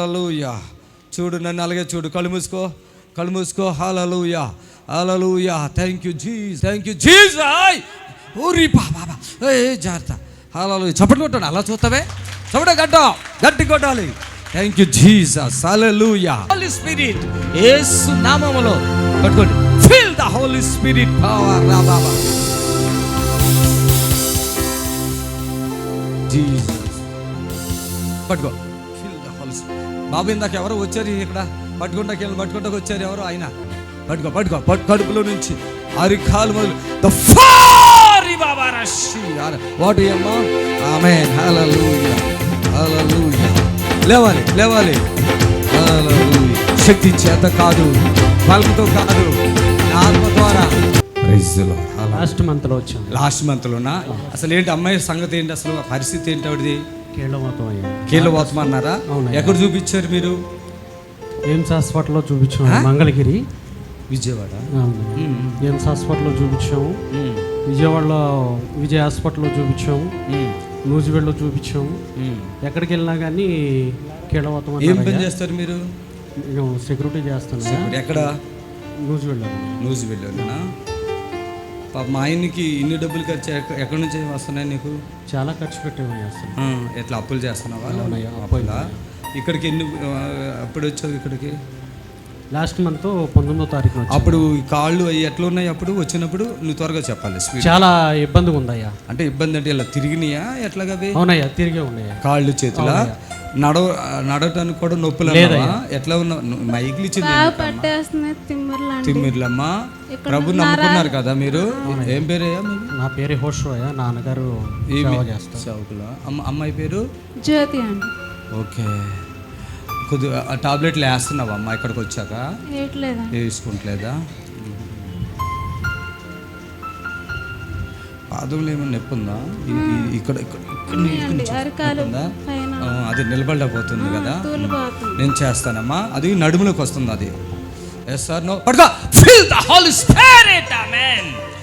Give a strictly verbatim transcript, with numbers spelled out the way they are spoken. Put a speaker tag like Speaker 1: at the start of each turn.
Speaker 1: హల్లెలూయా. చూడు, నన్ను అలాగే చూడు. కళ్ళు మూసుకో, కళ్ళు మూసుకో. Hallelujah, hallelujah. Thank you Jesus, thank you Jesus. ఓరి బాబా, ఏ జాగ్రత్త. హల్లెలూయా. చప్పట్లు కొట్టాను. అలా చూస్తావే, చప్పట గడ్డ గట్టి కొట్టాలి. Thank you Jesus. Hallelujah. Holy spirit యేసు నామములో పట్టుకోండి. Feel the holy spirit power. రా బాబా జీసస్. పట్టుకో. Feel the holy spirit. బాబు ఇందాక ఎవరో వచ్చారు ఇక్కడ, పట్టుకుంటాకి వెళ్ళి పట్టుకుంటాకి వచ్చారు ఎవరో. ఆయన పట్టుకో, పట్టుకో, పట్టు. కడుపులో నుంచి అరికాలు మొదలు ద ఫారి బాబా రషి. వాట్ అమ్మా. ఆమేన్. హల్లెలూయా, హల్లెలూయా. లేవాలి, లేవాలి. హల్లెలూయా. శక్తి చేత కాదు, బలంతో కాదు, ఆత్మ ద్వారా.
Speaker 2: లాస్ట్ మంత్ లో వచ్చాం.
Speaker 1: లాస్ట్ మంత్ లోనా? అసలు ఏంటి అమ్మాయి సంగతి ఏంటి, అసలు పరిస్థితి ఏంటి ఆవిడది?
Speaker 2: కీళ్ళవాతం అయ్యా.
Speaker 1: కీళ్ళవాతం అన్నారా? ఎక్కడ చూపించారు మీరు?
Speaker 2: ఎయిమ్స్ హాస్పిటల్లో చూపించాం, మంగళగిరి,
Speaker 1: విజయవాడ.
Speaker 2: ఎయిమ్స్ హాస్పిటల్లో చూపించాము, విజయవాడలో విజయ్ హాస్పిటల్లో చూపించాము, నూజివేడ్లో చూపించాము. ఎక్కడికి వెళ్ళినా కానీ కీళ్ళవాతం.
Speaker 1: ఏం పని చేస్తారు మీరు?
Speaker 2: సెక్యూరిటీ చేస్తాను.
Speaker 1: ఎక్కడ?
Speaker 2: నూజివేడ్లో.
Speaker 1: నూజివేడ్లోనా? పాప మా ఆయనకి ఇన్ని డబ్బులు ఖర్చు ఎక్కడి నుంచి వస్తున్నాయి నీకు?
Speaker 2: చాలా ఖర్చు పెట్టేవి అసలు.
Speaker 1: ఎట్లా అప్పులు చేస్తున్నావా? అప్పులా. ఇక్కడికి ఎన్ని అప్పుడు వచ్చావు ఇక్కడికి?
Speaker 2: లాస్ట్ మంత్ పంతొమ్మిదో తారీఖు.
Speaker 1: అప్పుడు కాళ్ళు అవి ఎట్లా ఉన్నాయి అప్పుడు వచ్చినప్పుడు? నువ్వు త్వరగా చెప్పాలి.
Speaker 2: చాలా ఇబ్బందిగా ఉందయ్యా.
Speaker 1: అంటే ఇబ్బంది అంటే ఇలా తిరిగినాయా ఎట్లాగా?
Speaker 2: అవునయ్యా, తిరిగే ఉన్నాయా
Speaker 1: కాళ్ళు చేతుల. నడవ నడవటానికి కూడా నొప్పులు ఎట్లా ఉన్నా? మైకిలు ఇచ్చింది తిమ్మిర్లమ్మా. ప్రభు నమ్ముకున్నారు కదా మీరు. ఏం పేరయ్యా?
Speaker 2: నా పేరు హోషయ్యా. నాన్నగారు
Speaker 1: చౌకులా. అమ్మ అమ్మాయి పేరు
Speaker 3: జ్యోతి అండి.
Speaker 1: ఓకే. కొద్దిగా టాబ్లెట్లు వేస్తున్నావా అమ్మ ఇక్కడికి వచ్చాక? వేసుకుంటలేదా? పాదంలో ఏమైనా నొప్పి ఉందా? ఇక్కడ అది నిలబడలేకపోతుంది కదా. నేను చేస్తానమ్మా. అది నడుములోకి వస్తుంది. అది ఎస్ సార్ నో. పడుకో. Feel the holy spirit. Amen.